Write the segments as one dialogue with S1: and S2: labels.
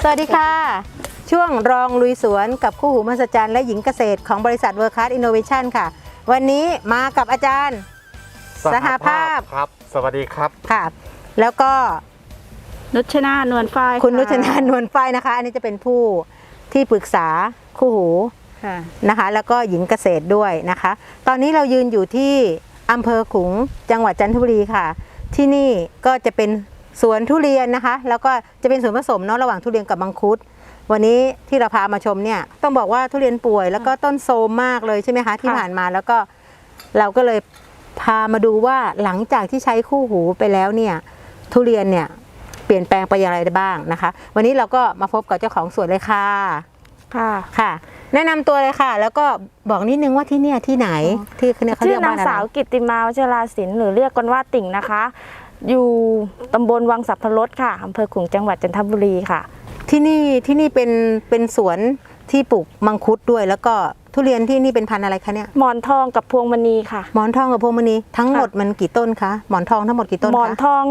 S1: วัสดีค่ะช่วงรองลุยสวนกับคู่หูมหัศจรรย์และหญิงเกษตรของบริษัทเวิร์คคลาสอินโนเวชั่นค่ะวันนี้มากับอาจารย์สหภาพ
S2: ครับสวัสดีครับ
S1: ค่ะแล้วก็
S3: นุชนานวลฝ้าย
S1: คุณนุชนานวลฝ้ายนะคะอันนี้จะเป็นผู้ที่ปรึกษาคู่หูนะคะแล้วก็หญิงเกษตรด้วยนะคะตอนนี้เรายืนอยู่ที่อำเภอขลุงจังหวัดจันทบุรีค่ะที่นี่ก็จะเป็นสวนทุเรียนนะคะแล้วก็จะเป็นส่วนผสมเนาะระหว่างทุเรียนกับมังคุดวันนี้ที่เราพามาชมเนี่ยต้องบอกว่าทุเรียนป่วยแล้วก็ต้นโทรมมากเลยใช่ไหมคะที่ผ่านมาแล้วก็เราก็เลยพามาดูว่าหลังจากที่ใช้คู่หูไปแล้วเนี่ยทุเรียนเนี่ยเปลี่ยนแปลงไปอย่างไรได้บ้างนะคะวันนี้เราก็มาพบกับเจ้าของสวนเลยค่ะค่ะแนะนำตัวเลยค่ะแล้วก็บอกนิดนึงว่าที่เนี่ยที่ไหนที่เนี่ยเขาเรียกว่านาง
S3: สาวกิตติมาวชราศิลป์หรือเรียกกันว่าติ่งนะคะอยู่ตำบลวังสัพพรสค่ะอำเภอขลุงจังหวัดจันทบุรีค่ะ
S1: ที่นี่เป็นสวนที่ปลูกมังคุดด้วยแล้วก็ทุเรียนที่นี่เป็นพันธุ์อะไรคะเนี่ย
S3: หมอนทองกับพวงมณีค่ะ
S1: หมอนทองกับพวงมณีทั้งหมดมันกี่ต้นคะหมอนทองทั้งหมดกี่ต้นคะ
S3: หมอนทอง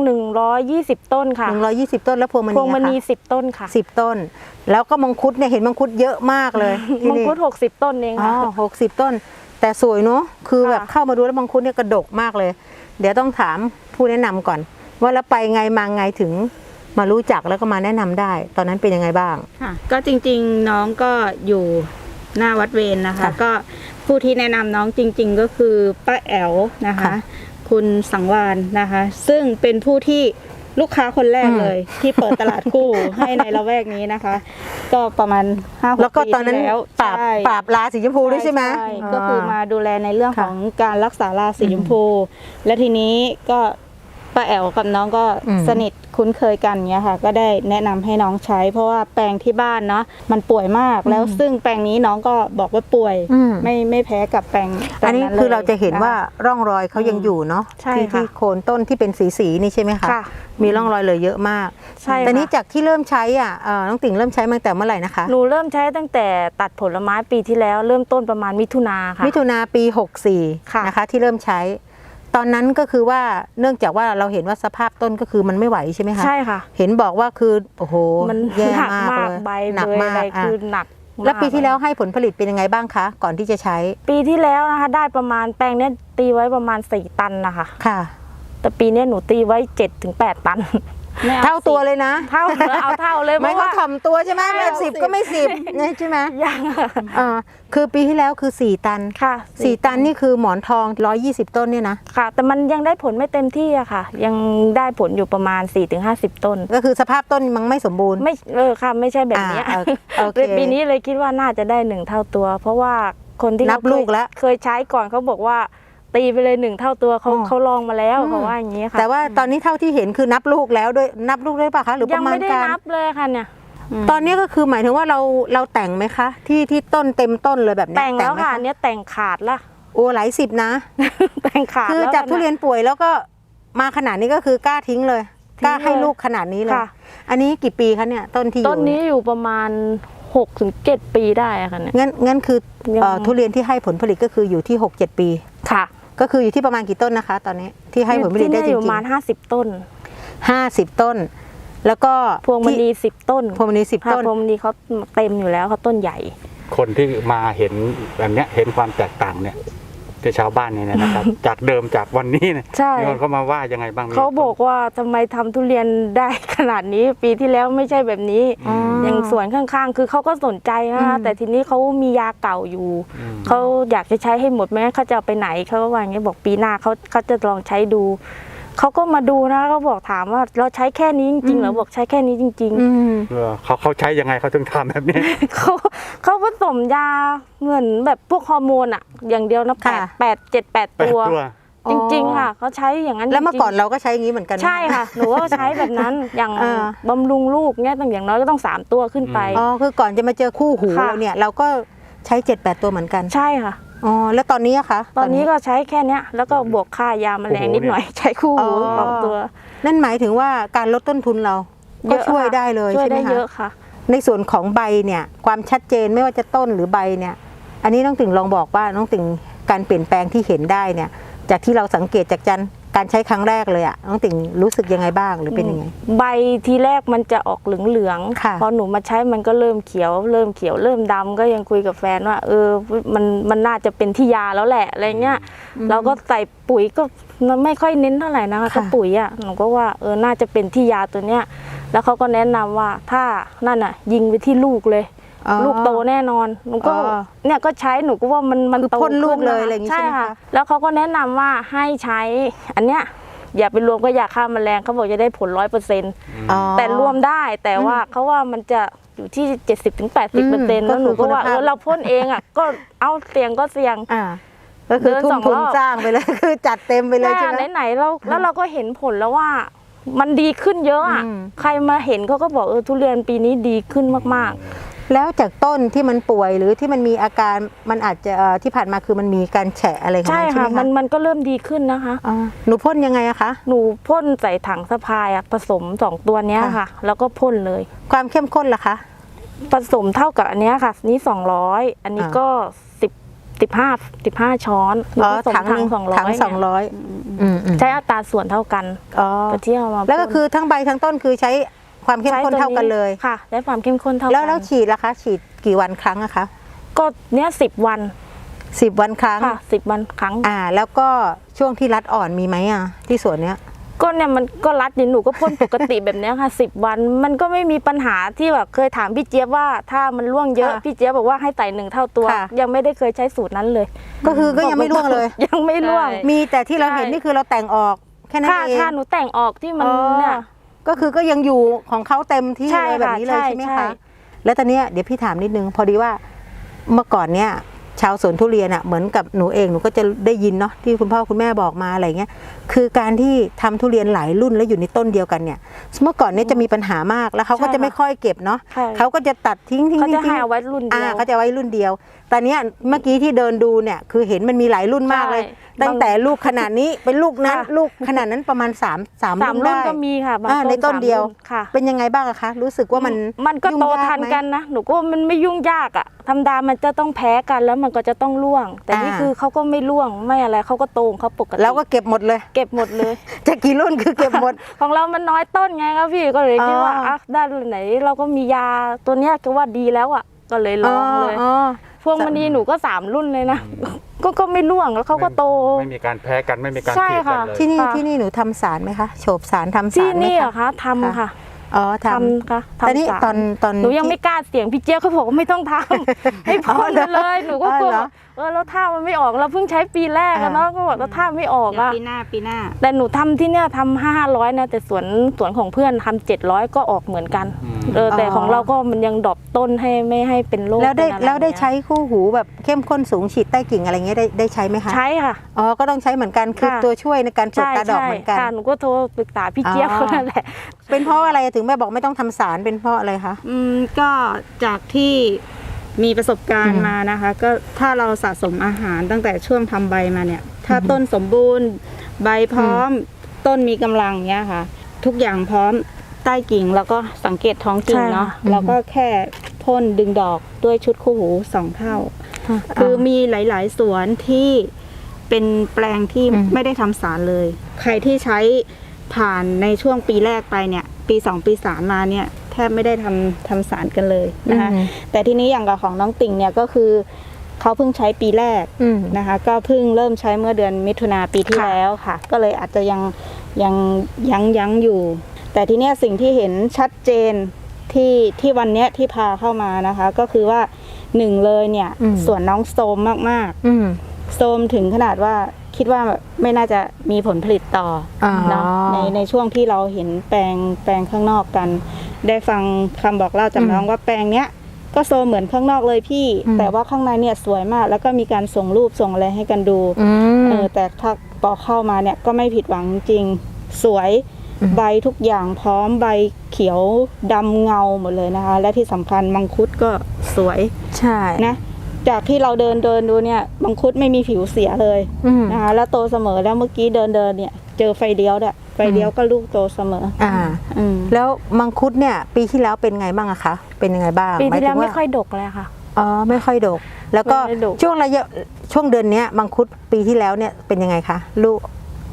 S3: 120ต้นค่ะ
S1: 120ต้นแล้วพวงมณี
S3: 10ต้นค่ะ
S1: 10ต้นแล้วก็มังคุดเนี่ยเห็นมังคุดเยอะมากเลย
S3: มังคุด60ต้นเองค่ะ
S1: 60ต้นแต่สวยเนาะคือแบบเข้ามาดูแล้วมังคุดเนี่ยกระดกมากเลยเดี๋ยวต้องถามผู้แนะนำก่อนว่าแล้วไปไงมาไงถึงมารู้จักแล้วก็มาแนะนำได้ตอนนั้นเป็นยังไงบ้าง
S4: ค่ะก็จริงๆน้องก็อยู่หน้าวัดเวรนะคะก็ผู้ที่แนะนำน้องจริงๆก็คือป้าแอ๋วนะคะคุณสังวานนะคะซึ่งเป็นผู้ที่ลูกค้าคนแรกเลยที่เปิดตลาดคู่ให้ในละแวกนี้นะคะก็ประมาณ5-6
S1: แล้วก็ตอนนั้นปราบราสีชมพูด้วยใช่ไหม
S4: ก็คือมาดูแลในเรื่องของการรักษาราสีชมพูและทีนี้ก็ป้าแอ๋วกับน้องก็สนิทคุ้นเคยกันเงี้ยค่ะก็ได้แนะนำให้น้องใช้เพราะว่าแปลงที่บ้านเนาะมันป่วยมากแล้วซึ่งแปลงนี้น้องก็บอกว่าป่วยไม่แพ้กับแปลง
S1: อันนี้คือเราจะเห็นว่าร่องรอยเขายังอยู่เนาะที่โคนต้นที่เป็นสีนี่ใช่ไหมคะมีร่องรอยเลยเยอะมากแต่นี้จากที่เริ่มใช้น้องติ่งเริ่มใช้มาตั้งแต่เมื่อไหร่นะคะ
S3: หนูเริ่มใช้ตั้งแต่ตัดผลไม้ปีที่แล้วเริ่มต้นประมาณมิถุนาค่ะ
S1: มิถุนาปี64นะคะที่เริ่มใช้ตอนนั้นก็คือว่าเนื่องจากว่าเราเห็นว่าสภาพต้นก็คือมันไม่ไหวใช่ไหมคะ
S3: ใช่ค่ะ
S1: เห็นบอกว่าคือโอ้โห
S3: มัน
S1: แย่
S3: มากเลย
S1: ใบ
S3: หนักมากคือหนัก
S1: แล้วปีที่แล้วให้ผลผลิตเป็นยังไงบ้างคะก่อนที่จะใช้
S3: ปีที่แล้วนะคะได้ประมาณแปลงนี้ตีไว้ประมาณ4ตันนะคะ
S1: ค่ะ
S3: แต่ปีนี้หนูตีไว้7-8 ตัน
S1: เท่าตัวเลยนะ
S3: เอาเท่าเลย
S1: ไม่เขาถ่อมตัวใช่ไหมไม่10ก็ไม่10ใช่ไหม
S3: ยัง
S1: คือปีที่แล้วคือ4ตัน
S3: ค่ะ
S1: 4ตันนี่คือหมอนทอง120ต้นเนี่ยนะ
S3: ค่ะแต่มันยังได้ผลไม่เต็มที่อะค่ะยังได้ผลอยู่ประมาณ4-50ต้น
S1: ก็คือสภาพต้นมันไม่สมบูรณ์
S3: ไม่ค่ะไม่ใช่แบบนี้ปีนี้เลยคิดว่าน่าจะได้1เท่าตัวเพราะว่าคนที่
S1: นับลูกแล้ว
S3: เคยใช้ก่อนเขาบอกว่าตีไปเลย1เท่าตัวเขาลองมาแล้วเขาว่าอย่างนี้ค่ะ
S1: แต่ว่าตอนนี้เท่าที่เห็นคือนับลูกแล้วด้วยนับลูกได้ป่ะคะหรือประมาณการ
S3: ยังไม่ได้นับเลยค่ะเนี่ย
S1: ตอนนี้ก็คือหมายถึงว่าเราแต่งไหมคะที่ต้นเต็มต้นเลยแบบนี้
S3: แต่งแล้วค่ะเนี้ยแต่งขาดละ
S1: โอ้หลาย10นะ
S3: แต่งขาด
S1: คือจากทุเรียนป่วยแล้วก็มาขนาดนี้ก็คือกล้าทิ้งเลยกล้าให้ลูกขนาดนี้เลยอันนี้กี่ปีคะเนี่ยต้นที่อยู่
S3: ต้นนี้อยู่ประมาณ6-7 ปีได้ค่ะเนี่ย
S1: งั้นคือทุเรียนที่ให้ผลผลิตก็คืออยู่ที่6-7 ปี
S3: ค่ะ
S1: ก็คืออยู่ที่ประมาณกี่ต้นนะคะตอนนี้ที่ให้ผลผลิตได้จริงๆ
S3: ประมาณ50ต้น
S1: 50ต้นแล้วก็
S3: พวงมณี10ต้น
S1: พวงมณี10ต้น
S3: พวงมณีเขาเต็มอยู่แล้วเขาต้นใหญ่
S2: คนที่มาเห็นแบบนี้เห็นความแตกต่างเนี่ยที่ชาวบ้านเนี่ยนะครับ จากเดิมจากวันนี้เนี่ยมีคนเขามาว่ายังไงบ้าง
S3: เขาบอกว่าทำไมทำทุเรียนได้ขนาดนี้ปีที่แล้วไม่ใช่แบบนี้อย่างสวนข้างๆคือเขาก็สนใจนะคะแต่ทีนี้เขามียาเก่าอยู่เขาอยากจะใช้ให้หมดไหมเขาจะเอาไปไหนเขาก็ว่าอย่างนี้บอกปีหน้าเขาจะลองใช้ดูเขาก็มาดูนะเขาบอกถามว่าเราใช้แค่นี้จริงๆเหรอบอกใช้แค่นี้จริง
S2: ๆเขาใช้ยังไงเขาถึงทำแบบนี้
S3: เขาผสมยาเหมือนแบบพวกฮอร์โมนอะอย่างเดียวนะ7-8 ตัวจริงๆค่ะเขาใช้อย่างนั้น
S1: แล้วเมื่อก่อนเราก็ใช้อย่างนี้เหมือนกัน
S3: ใช่ค่ะหนูก็ใช้แบบนั้นอย่างบำรุงลูกเนี่ยตั้งอย่างน้อยก็ต้อง3ตัวขึ้นไป
S1: คือก่อนจะมาเจอคู่หูเราเนี่ยเราก็ใช้7-8ตัวเหมือนกัน
S3: ใช่ค่ะ
S1: แล้วตอนนี้อะคะ
S3: ตอนนี้ก็ใช้แค่นี้แล้วก็บวกค่ายาแมลงนิดหน่อยใช้คู่หู2ตัว
S1: นั่นหมายถึงว่าการลดต้นทุนเราก็ช่วยได้เลยใช่ไหมคะช่วย
S3: ได้เยอะค่ะ
S1: ในส่วนของใบเนี่ยความชัดเจนไม่ว่าจะต้นหรือใบเนี่ยอันนี้น้องติ่งลองบอกว่าน้องติ่งการเปลี่ยนแปลงที่เห็นได้เนี่ยจากที่เราสังเกตจากการใช้ครั้งแรกเลยอะน้องติ่งรู้สึกยังไงบ้างหรือเป็นยังไง
S3: ใบทีแรกมันจะออกเหลือง
S1: ค่ะ
S3: พอหนูมาใช้มันก็เริ่มเขียวเริ่มดำก็ยังคุยกับแฟนว่ามันน่าจะเป็นที่ยาแล้วแหละอะไรเงี้ยเราก็ใส่ปุ๋ยก็ไม่ค่อยเน้นเท่าไหร่นะคะก็ปุ๋ยอ่ะหนูก็ว่าน่าจะเป็นที่ยาตัวเนี้ยแล้วเขาก็แนะนำว่าถ้านั่นอ่ะยิงไปที่ลูกเลย ลูกโตแน่นอนหนูก็เนี่ยก็ใช้หนูก็ว่ามัน
S1: คือ
S3: โต
S1: พ่นลูกเลย
S3: ขึ้น
S1: อะไรอย่างงี้ใช่ไหมคะ
S3: แล้วเขาก็แนะนำว่าให้ใช้อันเนี้ยอย่าไปรวมก็ยาฆ่าแมลงเขาบอกจะได้ผล 100%แต่รวมได้แต่ว่าเขาว่ามันจะอยู่ที่ 70-80%แล้วหนูก็ว่าเราพ่นเองอ่ะก็เอาเสี่ยงก็เสี่ยง
S1: ก็คือ
S3: เดิน
S1: ทุ่
S3: ส
S1: ม
S3: อง
S1: ทุน
S3: รอบ
S1: สร้างไปเลย คือจัดเต็มไปเลยใช่ไหม
S3: ไหนๆแล้วเราก็เห็นผลแล้วว่ามันดีขึ้นเยอะอ่ะใครมาเห็นเขาก็บอกทุเรียนปีนี้ดีขึ้นมากๆ
S1: แล้วจากต้นที่มันป่วยหรือที่มันมีอาการมันอาจจะที่ผ่านมาคือมันมีการแฉะอะไรของ
S3: ใช่
S1: มันใช่
S3: ค่ะ
S1: ไหมคะ
S3: มันก็เริ่มดีขึ้นนะคะ
S1: หนูพ่นยังไงอะคะ
S3: หนูพ่นใส่ถังสะพายผสม2ตัวเนี้ยค่ะแล้วก็พ่นเลย
S1: ความเข้มข้นล่ะคะ
S3: ผสมเท่ากับอันเนี้ยค่ะนี้200อันนี้ก็15ช้อนหนูผสมถัง200
S1: ถัง 200
S3: ใช้อัตราส่วนเท่ากันก็ที่เอามา
S1: แล้วก็คือทั้งใบทั้งต้นคือใช้ความเข้มข้นเท่ากันเลย
S3: ค่ะใช้ความเข้มข้นเท่ากัน
S1: แล้วฉีดล่ะคะฉีดกี่วันครั้งอะคะ
S3: ก็เนี้ย10 วัน
S1: 10 วันครั้ง
S3: ค่ะ10 วันครั้ง
S1: แล้วก็ช่วงที่รัดอ่อนมีไหมอะที่สวนเนี้ย
S3: ก็เนี่ยมันก็รัดหนูก็พ่นปกติแบบเนี้ยค่ะ10 วันมันก็ไม่มีปัญหาที่แบบเคยถามพี่เจี๊ยบว่าถ้ามันร่วงเยอะพี่เจี๊ยบบอกว่าให้ใส่1เท่าตัวยังไม่ได้เคยใช้สูตรนั้นเลย
S1: ก็คือก็ยังไม่ร่วงเลย
S3: ยังไม่ร่วง
S1: มีแต่ที่เราเห็นนี่คือเราแต่งออกแค่นั้นเอง
S3: ถ้าหนูแต่งออกที่มันเนี่ย
S1: ก็คือก็ยังอยู่ของเขาเต็มที่
S3: ใช่
S1: เลยแบบนี้เลย
S3: ค่ะ
S1: ใช่ไหม
S3: ใช่
S1: คะแล้วตอนเนี้ยเดี๋ยวพี่ถามนิดนึงพอดีว่าเมื่อก่อนเนี่ยชาวสวนทุเรียนอ่ะเหมือนกับหนูเองหนูก็จะได้ยินเนาะที่คุณพ่อคุณแม่บอกมาอะไรเงี้ยคือการที่ทำทุเรียนหลายรุ่นแล้วอยู่ในต้นเดียวกันเนี่ยเมื่อก่อนเนี่ยจะมีปัญหามากแล้วเขาก็จะไม่ค่อยเก็บเนาะเขาก็จะตัดทิ้ง
S3: เขาจะให้เอาไว้รุ่นเดียว
S1: เขาจะไว้รุ่นเดียวตอนเนี้ยเมื่อกี้ที่เดินดูเนี่ยคือเห็นมันมีหลายรุ่นมากเลย ตั้งแต่ลูกขนาดนี้เป็นลูกนั้นลูกขนาดนั้นประมาณ3 รุ่นได้
S3: ก็มีค่ะบาง
S1: ในต้นเดียว
S3: ค่ะ
S1: เป็นยังไงบ้างอะคะรู้สึกว่ามัน
S3: ก็โต
S1: ยุ่งยา
S3: ทัน
S1: ไหม
S3: กันนะหนูก็ว่ามันไม่ยุ่งยากอะธรรมดามันจะต้องแพ้กันแล้วมันก็จะต้องร่วง แต่นี่คือเขาก็ไม่ร่วงไม่อะไรเขาก็โตของเขาปกติ
S1: แล้วก็เก็บหมดเลย
S3: เก็บหมดเลย
S1: จะกี่รุ่นคือเก็บหมด
S3: ของเรามันน้อยต้นไงครับพี่ก็เลยคิดว่าด้านไหนเราก็มียาตัวเนี้ยก็ว่าดีแล้วอะก็เลยลองเลยพวงมณีหนูก็3 รุ่นเลยนะก็ไม่ร่วงแล้วเขาก็โต
S2: ไม่มีการแพ้กันไม่มีการ
S3: ใช่
S2: ขีดกัน
S3: ค่ะ
S2: เลย
S1: ที่นี่หนูทำสารไหมคะโฉบสารทำสาร
S3: ที่
S1: ไหม
S3: นี่เหรอ
S1: คะ
S3: คะทำค่ะ
S1: ท
S3: ทำค่ะ
S1: ำแต่นี่
S3: ทำสาร
S1: ตอน
S3: หนูยังไม่กล้าเสี่ยงพี่เจี๊ยบเขาบอกว่าไม่ต้องทำ ให้พ่นไปเลยหนูก็กลัวแล้วถ้ามันไม่ออกเราเพิ่งใช้ปีแรกอะเนาะก็บอกแล้วถ้าไม่ออก
S4: เดี๋ยว
S3: อะ
S4: ปีหน้า
S3: แต่หนูทำที่เนี่ยทำ500นะแต่สวนของเพื่อนทำ700ก็ออกเหมือนกันแต่ของเราก็มันยังดรอปต้นให้ไม่ให้เป็นโรค
S1: แล้วได้
S3: เป็นอะไร
S1: แล้วได้
S3: เงี้ย
S1: ใช้คู่หูแบบเข้มข้นสูงฉีดใต้กิ่งอะไรเงี้ยได้ใช้ไหมคะ
S3: ใช้ค่ะ
S1: ก็ต้องใช้เหมือนกันคือ
S3: ค่ะ
S1: ตัวช่วยในการปลูกตาดอกเหมือนกัน
S3: ค่ะหนูก็โทรปรึกษาพี่เจี๊ยบเขานั่นแหละ
S1: เป็นเพราะอะไรถึงแม่บอกไม่ต้องทำสารเป็นเพราะอะไรคะ
S4: ก็จากที่มีประสบการณ์มานะคะ ก็ถ้าเราสะสมอาหารตั้งแต่ช่วงทำใบมาเนี่ย ถ้าต้นสมบูรณ์ใบพร้อม ต้นมีกำลังเนี้ยค่ะ ทุกอย่างพร้อมใต้กิ่งแล้วก็สังเกตท้องกิ่งเนาะแล้วก็แค่พ่นดึงดอกด้วยชุดคู่หู2 เท่า คือมีหลาย ๆ สวนที่เป็นแปลงที่ไม่ได้ทำสารเลย ใครที่ใช้ผ่านในช่วงปีแรกไปเนี่ยปี2ปี3มาเนี่ยแทบไม่ได้ทำสารกันเลยนะคะแต่ทีนี้อย่างกับของน้องติ่งเนี่ยก็คือเขาเพิ่งใช้ปีแรกนะคะก็เพิ่งเริ่มใช้เมื่อเดือนมิถุนาปีที่แล้วค่ะก็เลยอาจจะยังอยู่ แต่ทีเนี้ยสิ่งที่เห็นชัดเจนที่วันเนี้ยที่พาเข้ามานะคะก็คือว่า1เลยเนี่ยส่วนน้องโซมมากๆโซมถึงขนาดว่าคิดว่าไม่น่าจะมีผลผลิตต่อเนาะในช่วงที่เราเห็นแปลงข้างนอกกัน ได้ฟังคำบอกเล่าจากน้องว่าแปลงเนี้ยก็โซมเหมือนข้างนอกเลยพี่แต่ว่าข้างในเนี่ยสวยมากแล้วก็มีการส่งรูปส่งอะไรให้กันดูแต่ถ้าพอเข้ามาเนี่ยก็ไม่ผิดหวังจริงสวยใบทุกอย่างพร้อมใบเขียวดำเงาหมดเลยนะคะและที่สำคัญมังคุดก็สวย
S1: ใช่
S4: นะจากที่เราเดินดูเนี่ยมังคุดไม่มีผิวเสียเลยนะคะแล้วโตเสมอแล้วเมื่อกี้เดินเนี่ยเจอไฟเลี้ยวด้วยไฟเลี้ยวก็ลูกโตเสมอ
S1: แล้วมังคุดเนี่ยปีที่แล้วเป็นไงบ้างอะคะเป็นยังไงบ้าง
S3: ปีที่แล้วไม่ค่อยดกเลยค่ะ
S1: ไม่ค่อยดกแล้วก็ช่วงเดือนนี้มังคุดปีที่แล้วเนี่ยเป็นยังไงคะลูก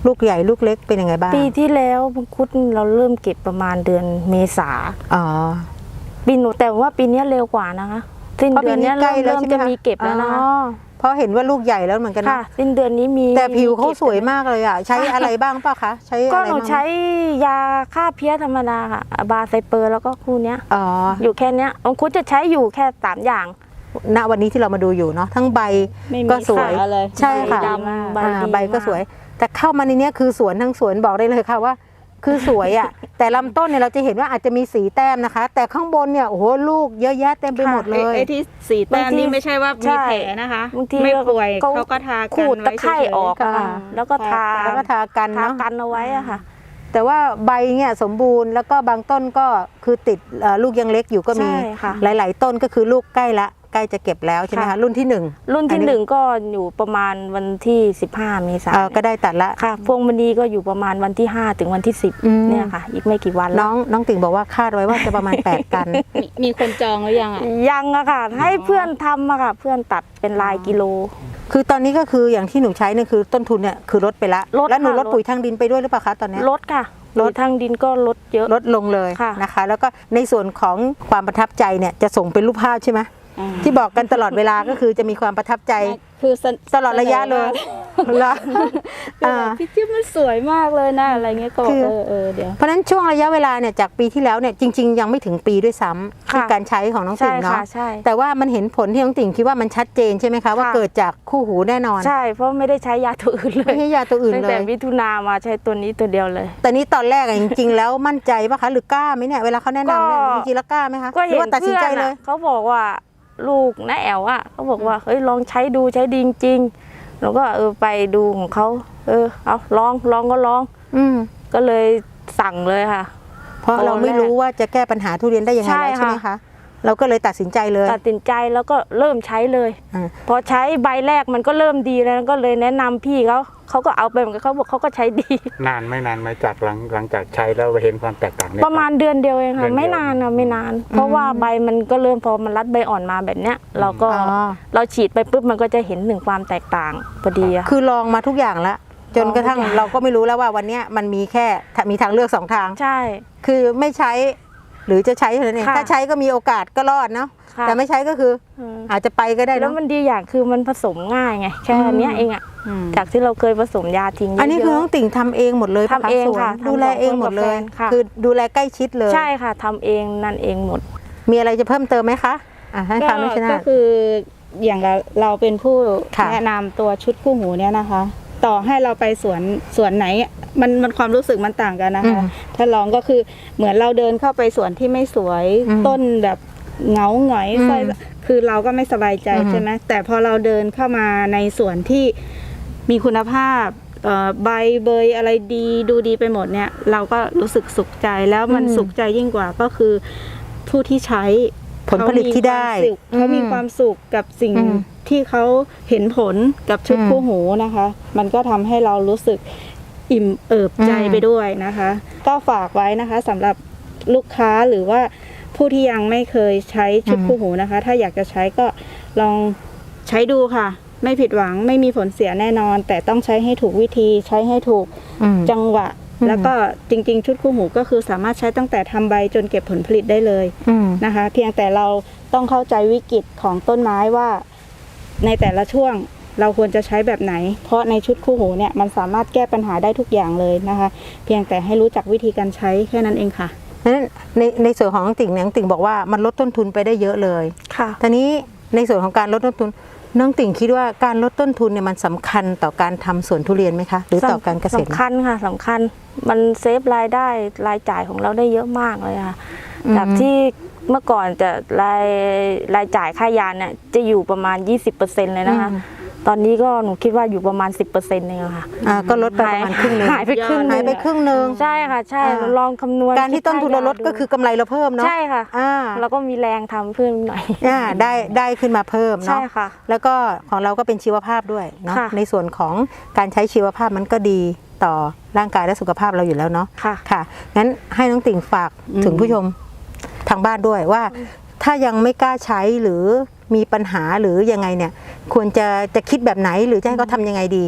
S1: ลูกใหญ่ลูกเล็กเป็นยังไงบ้าง
S3: ปีที่แล้วมังคุดเราเริ่มเก็บประมาณเดือนเมษา
S1: อ๋อ
S3: ปีหนูแต่ว่าปีนี้เร็วกว่านะคะสิ้นเดือนนี้เริ่มจะมีเก็บแล้วนะคะ
S1: อ๋อเพราะเห็นว่าลูกใหญ่แล้วเหมือนกัน
S3: ค่ะ
S1: นะ
S3: สิ้นเดือนนี้มี
S1: แต่ผิวเขา
S3: ก็บ
S1: สวยมากเลยอ่ะใช้อะไรบ้างเปล่ะคะใช้
S3: ก็
S1: อะไร
S3: หนู
S1: บ้าง
S3: ใช้ยาฆ่าเพี้ยธรรมดาค่ะบาไซเปอร์แล้วก็คู่เนี้ย
S1: อ๋อ
S3: อยู่แค่เนี้ยมังคุดจะใช้อยู่แค่3อย่าง
S1: ณวันนี้ที่เรามาดูอยู่เนาะทั้งใบ
S4: ไม่มี
S1: ก็สวย
S4: ขาเลย
S1: ใช่ค่ะ
S3: ใบดำ
S1: ใบก็สวย แต่เข้ามาในเนี้ยคือสวนทั้งสวนบอกได้เลยค่ะว่า คือสวยอ่ะ แต่ลำต้นเนี่ยเราจะเห็นว่าอาจจะมีสีแต้มนะคะ แต่ข้างบนเนี่ยโอ้โหลูกเยอะแยะเต็มไปหมดเลย
S4: ไอ้ที่สีแต้ม
S3: บางที
S4: นี่ไม่ใช่ว่า
S3: ใช่
S4: มีแผลนะคะ
S3: บางที
S4: ไม่ป่วย
S3: เขา
S4: เขาก็ทากัน
S3: ขูดตะไคร่ออกอะค่ะ
S1: ค่ะ
S3: แล้วก็ทา
S1: แล้วก็ทากัน
S3: ทา
S1: เนาะ
S3: กันเอาไว้อะค่ะ
S1: แต่ว่าใบเนี่ยสมบูรณ์แล้วก็บางต้นก็คือติดลูกยังเล็กอยู่ก็มี
S3: ใช่ค่ะ
S1: หลาย ๆ ต้นก็คือลูกใกล้จะเก็บแล้วใช่ไหมคะ
S3: ค่ะ
S1: รุ่นที่หนึ่ง
S3: รุ่น
S1: อั
S3: ที่
S1: นนี้
S3: 1ก็อยู่ประมาณวันที่15เมษายน
S1: ก็ได้ตัดละ
S3: ค่ะพวงมณีก็อยู่ประมาณวันที่5ถึงวันที่
S1: อืม
S3: 10เนี่ยค่ะ อีกไม่กี่วัน
S1: น้
S3: แล้ว
S1: องติ่งบอกว่าคาดไว้ว่าจะประมาณ 8 ตัน
S4: มีคนจองหรือยังอ่ะ
S3: ยังอะค่ะ ให้เพื่อนทำอะค่ะ เพื่อนตัดเป็นลายกิโล
S1: คือตอนนี้ก็คืออย่างที่หนูใช้เนี่ยคือต้นทุนเนี่ยคือลดไปละ
S3: ลด
S1: แล้วหนู
S3: ค่ะ
S1: ลดปุ๋ยทางดินไปด้วยหรือเปล่าคะตอนเนี้ย
S3: ลดค่ะ
S1: ลด
S3: ทางดินก็ลดเยอะ
S1: ลดลงเลย
S3: ค่ะ
S1: นะคะ แล้วก็ในส่วนของความประทับใจเนี่ยจะส่งเป็นรูปภาพใช่ไหมที่บอกกันตลอดเวลาก็คือจะมีความประทับใจ
S4: คือเส
S1: ตลอดระยะเลยเหรอ
S4: คือแบบพี่จิ๊บมันสวยมากเลยนะอะไรเงี้ยก็บอ
S1: คื
S4: ก
S1: อ
S4: เดี๋ยว
S1: เพราะฉะนั้นช่วงระยะเวลาเนี่ยจากปีที่แล้วเนี่ยจริง ๆ ยังไม่ถึงปีด้วยซ้ำ
S3: ค่ะ
S1: ที่การใช้ของน้อง
S3: ใช่
S1: ติ่งเนาะ
S3: ค่ะใช่
S1: แต่ว่ามันเห็นผลที่น้องติ่งคิดว่ามันชัดเจนใช่ไหมคะว่า
S3: ค่ะ
S1: เกิดจากคู่หูแน่นอน
S3: ใช่เพราะไม่ได้ใช้ยาตัวอื่นเล
S1: ไม่
S3: ย
S1: ใช่ยาตัวอื่น
S3: ตั้ง
S1: เล
S3: แต่
S1: ย
S3: มิถุนามาใช้ตัวนี้ตัวเดียวเลย
S1: แต่นี้ตอนแรกอะจริง ๆ แล้วมั่นใจปะคะหรือกล้าไหมเนี่ยเวลาเขาแนะนำเนี่ย
S3: ก็
S1: จริงๆแล้วกล้าไหมคะ
S3: ก็
S1: หรื
S3: เห็
S1: อน ว่าตัดสิน
S3: เพื่อ
S1: ใจ
S3: น
S1: เล
S3: อะ
S1: ย
S3: เขาบอกว่าลูกน้าแอลอะเขาบอกว่าเฮ้ยลองใช้ดูใช้ดีจริงๆแล้วก็ไปดูของเขาเอาลองก็ลอง
S1: อืม
S3: ก็เลยสั่งเลยค่ะ
S1: เพราะเราไม่รู้ว่าจะแก้ปัญหาทุเรียนได้ยังไง
S3: ใช่
S1: แล้วใช่ไหม
S3: ค่ะ
S1: คะเราก็เลยตัดสินใจเลย
S3: ตัดสินใจแล้วก็เริ่มใช้เลย
S1: อ่า
S3: พอใช้ใบแรกมันก็เริ่มดีแล้วก็เลยแนะนำพี่เขาก็เอาไปเหมือนกันเขาบอกเขาก็ใช้ดี
S2: นานไหมจากหลังจากใช้แล้วเห็นความแตกต่างเนี่ย
S3: ประมาณเดือนเดียวเอง
S2: เดื
S3: ค่ะ
S2: อนเดียว
S3: ไม่นานนะไม่นาน เพราะว่าใบมันก็เริ่มพอมันรัดใบอ่อนมาแบบเนี้ย เราก็
S1: อ๋อ
S3: เราฉีดไปปุ๊บมันก็จะเห็นถึงความแตกต่างพอดีอะ
S1: คือลองมาทุกอย่างแล้วจนกระทั่ง
S3: ลองทุกอย่าง
S1: เราก็ไม่รู้แล้วว่าวันเนี้ยมันมีแค่มีทางเลือกสองทาง
S3: ใช่
S1: คือไม่ใช้หรือจะใช้เท่านั้นเอง
S3: ค่ะ
S1: ถ้าใช้ก็มีโอกาสก็รอดเนาะ
S3: ค่ะ
S1: แต่ไม่ใช้ก็คือ
S3: อืม
S1: อาจจะไปก็ได้
S3: แล้
S1: เนาะ
S3: วมันดีอย่างคือมันผสมง่ายไงแค่อันเนี้ยเองอะจากที่เราเคยผสมยาทิ้งเยอะๆ
S1: อันนี้คือน้องติ่งทำเองหมดเลยปะ
S3: ทำเอง
S1: สวน
S3: ค่ะ
S1: ดูแลเองหมดเลย
S3: ทำกับแฟนค่ะ
S1: คือดูแลใกล้ชิดเลย
S3: ใช่ค่ะทำเองนั่นเองหมด
S1: มีอะไรจะเพิ่มเติมไหมคะให้ฟังด้วยชนะ
S4: ก็คืออย่างเราเป็นผู้
S1: ค่ะ
S4: แนะนำตัวชุดคู่หูเนี่ยนะคะ ต่อให้เราไปสวนไหนมันความรู้สึกมันต่างกันนะคะ ถ้าลองก็คือเหมือนเราเดินเข้าไปสวนที่ไม่สวย
S1: อืม
S4: ต้นแบบเหงาหงอย
S1: อืม
S4: สร้อยคือเราก็ไม่สบายใจ
S1: อืม
S4: ใช่ไหมแต่พอเราเดินเข้ามาในสวนที่มีคุณภาพใบเบยอะไรดีดูดีไปหมดเนี่ย เราก็รู้สึกสุขใจแล้วมันสุขใจยิ่งกว่าก็คือผู้ที่ใช้
S1: ผลผลิตที่ได้
S4: เขามีความสุขกับสิ่ง
S1: อืม
S4: ที่เขาเห็นผลกับชุด
S1: อืม
S4: คู่หูนะคะ มันก็ทำให้เรารู้สึกอิ่มเอิบใจ
S1: อืม
S4: ไปด้วยนะคะ ก็ฝากไว้นะคะสำหรับลูกค้าหรือว่าผู้ที่ยังไม่เคยใช้ชุดคู่หูนะคะ ถ้าอยากจะใช้ก็ลองใช้ดูค่ะ ไม่ผิดหวังไม่มีผลเสียแน่นอน แต่ต้องใช้ให้ถูกวิธีใช้ให้ถูก
S1: อืม
S4: จังหวะ
S1: อืม
S4: แล้วก็จริงๆ ชุดคู่หูก็คือสามารถใช้ตั้งแต่ทำใบจนเก็บผลผลิตได้เลย
S1: อืม
S4: นะคะ เพียงแต่เราต้องเข้าใจวิกฤตของต้นไม้ว่าในแต่ละช่วงเราควรจะใช้แบบไหน เพราะในชุดคู่หูเนี่ยมันสามารถแก้ปัญหาได้ทุกอย่างเลยนะคะ เพียงแต่ให้รู้จักวิธีการใช้แค่นั้นเองค่ะ
S1: นั้นในส่วนของน้องติ่งเนี่ยน้องติ่งบอกว่ามันลดต้นทุนไปได้เยอะเลย
S3: ค่ะ
S1: ทีนี้ในส่วนของการลดต้นทุนน้องติ่งคิดว่าการลดต้นทุนเนี่ยมันสำคัญต่อการทำสวนทุเรียนไหมคะหรือต่อการเกษตร
S3: สำคัญค่ะสำคัญมันเซฟรายได้รายจ่ายของเราได้เยอะมากเลยค่ะ จากที่เมื่อก่อนจะรายจ่ายค่ายาเนี่ยจะอยู่ประมาณ 20%เลยนะคะ ตอนนี้ก็หนูคิดว่าอยู่ประมาณ 10%เองอะค่ะ
S1: ก็ลดไปประมาณครึ่งหนึง
S3: หายไปครึ่ง
S1: หายไปครึ่งหนึง
S3: ใช่ค่ะใช่
S1: อ่า
S3: เราลองคำนวณ
S1: การที่ต้นทุนเราลดก็คือกำไรเราเพิ่มเนาะ
S3: ใช่ค่ะ เราก็มีแรงทำเพิ่มหน่อย
S1: ได้ขึ้นมาเพิ่ม
S3: ใช่
S1: เนาะ
S3: ค่ะ
S1: แล้วก็ของเราก็เป็นชีวภาพด้วยเนาะ
S3: ค่ะ
S1: ในส่วนของการใช้ชีวภาพมันก็ดีต่อร่างกายและสุขภาพเราอยู่แล้วเนาะ
S3: ค่ะ
S1: ค่ะงั้นให้น้องติ่งฝากถึงผู้ชมทางบ้านด้วยว่า ถ้ายังไม่กล้าใช้หรือมีปัญหาหรือยังไงเนี่ยควรจะคิดแบบไหนหรือจะให้เขาทำยังไงดี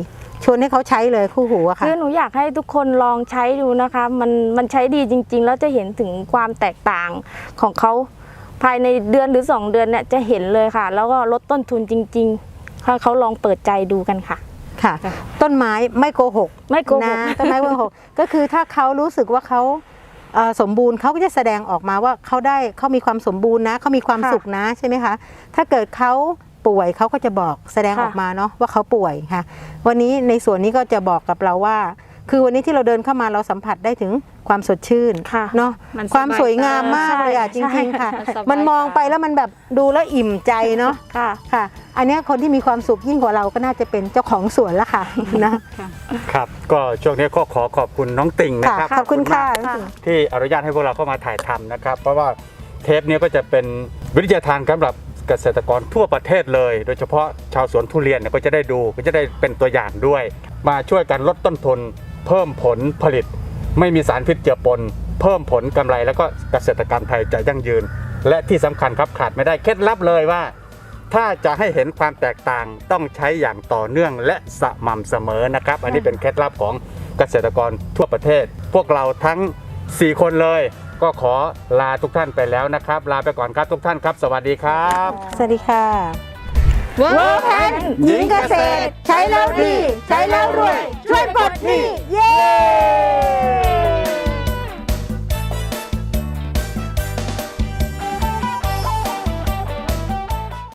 S1: ชวนให้เขาใช้เลยคู่หูอะค่ะ
S3: คือหนูอยากให้ทุกคนลองใช้ดูนะคะ มันใช้ดีจริง ๆ แล้วจะเห็นถึงความแตกต่างของเขาภายในเดือนหรือ 2 เดือนเนี่ยจะเห็นเลยค่ะ แล้วก็ลดต้นทุนจริงๆถ้าเขาลองเปิดใจดูกันค่ะ
S1: ค่ะ ต้นไม้ไม่โกหก
S3: ไม่โกหก
S1: นะต้นไม้ไม่โกหก ก็คือถ้าเขารู้สึกว่าเขาสมบูรณ์เขาก็จะแสดงออกมาว่าเขามีความสมบูรณ์นะเขามีความสุขนะใช่ไหมคะถ้าเกิดเขาป่วยเขาก็จะบอกแสดงออกมาเนาะว่าเขาป่วยค่ะวันนี้ในส่วนนี้ก็จะบอกกับเราว่า คือวันนี้ที่เราเดินเข้ามาเราสัมผัสได้ถึงความสดชื่น
S3: ค่ะ
S1: เนาะ
S4: มันสบาย
S1: ความสวยงามมากเลยอ่ะจ
S3: ใช่
S1: ริงๆค่ะ
S4: มันสบาย
S1: มันมองไปแล้วมันแบบดูแล้วอิ่มใจเนาะ
S3: ค่ะ
S1: ค่ะ อันเนี้ยคนที่มีความสุขยิ่งกว่าเราก็น่าจะเป็นเจ้าของสวนละค่ะนะ
S2: ครับก็ช่วงนี้ก็ขอขอบคุณน้องติ่งนะครับ
S1: ขอบคุณค่ะ
S2: มากที่อนุญาตให้พวกเราเข้ามาถ่ายทำนะครับ เพราะว่าเทปนี้ก็จะเป็นวิทยาทานสำหรับเกษตรกรทั่วประเทศเลย โดยเฉพาะชาวสวนทุเรียนเนี่ยก็จะได้ดูก็จะได้เป็นตัวอย่างด้วย มาช่วยกันลดต้นทุนเพิ่มผลผลิต ไม่มีสารพิษเจือปน เพิ่มผลกำไรแล้วก็เกษตรกรรมไทยจะยั่งยืน และที่สำคัญครับขาดไม่ได้เคล็ดลับเลยว่า ถ้าจะให้เห็นความแตกต่างต้องใช้อย่างต่อเนื่องและสม่ำเสมอนะครับ อันนี้เป็นเคล็ดลับของเกษตรกรทั่วประเทศ พวกเราทั้ง 4 คนเลย ก็ขอลาทุกท่านไปแล้วนะครับ ลาไปก่อนครับทุกท่านครับ สวัสดีครับ
S1: สวัสดีค่ะ
S4: เวิร์กแพน
S1: หญิงเกษตร ใช้แล้วดี ใช้แล้วรวย ช่วยปลดหนี้เย้